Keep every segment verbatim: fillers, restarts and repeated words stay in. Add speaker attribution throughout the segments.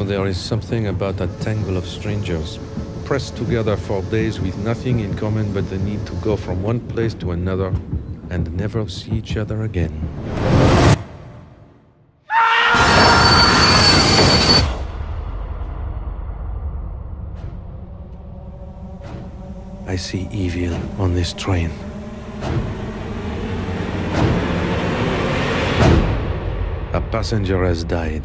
Speaker 1: there is something about that tangle of strangers, pressed together for days with nothing in common but the need to go from one place to another and never see each other again. I see evil on this train. A passenger has died.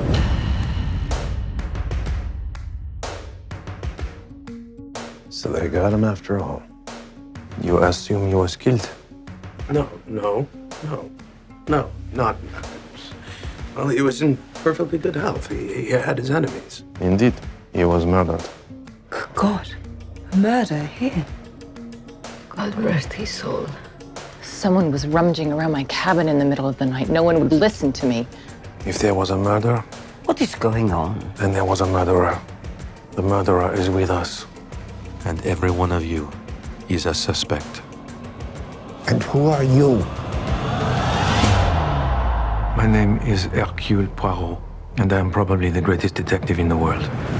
Speaker 2: So they got him after all. You assume he was killed?
Speaker 3: No, no, no, no, not. Well, he was in perfectly good health. He, he had his enemies.
Speaker 2: Indeed, he was murdered.
Speaker 4: God, murder here.
Speaker 5: God rest his soul. Someone was rummaging around my cabin in the middle of the night. No one would listen to me.
Speaker 2: If there was a murder,
Speaker 4: What is going on?
Speaker 2: then there was a murderer. The murderer is with us.
Speaker 1: And every one of you is a suspect.
Speaker 6: And who are you?
Speaker 2: My name is Hercule Poirot, and I am probably the greatest detective in the world.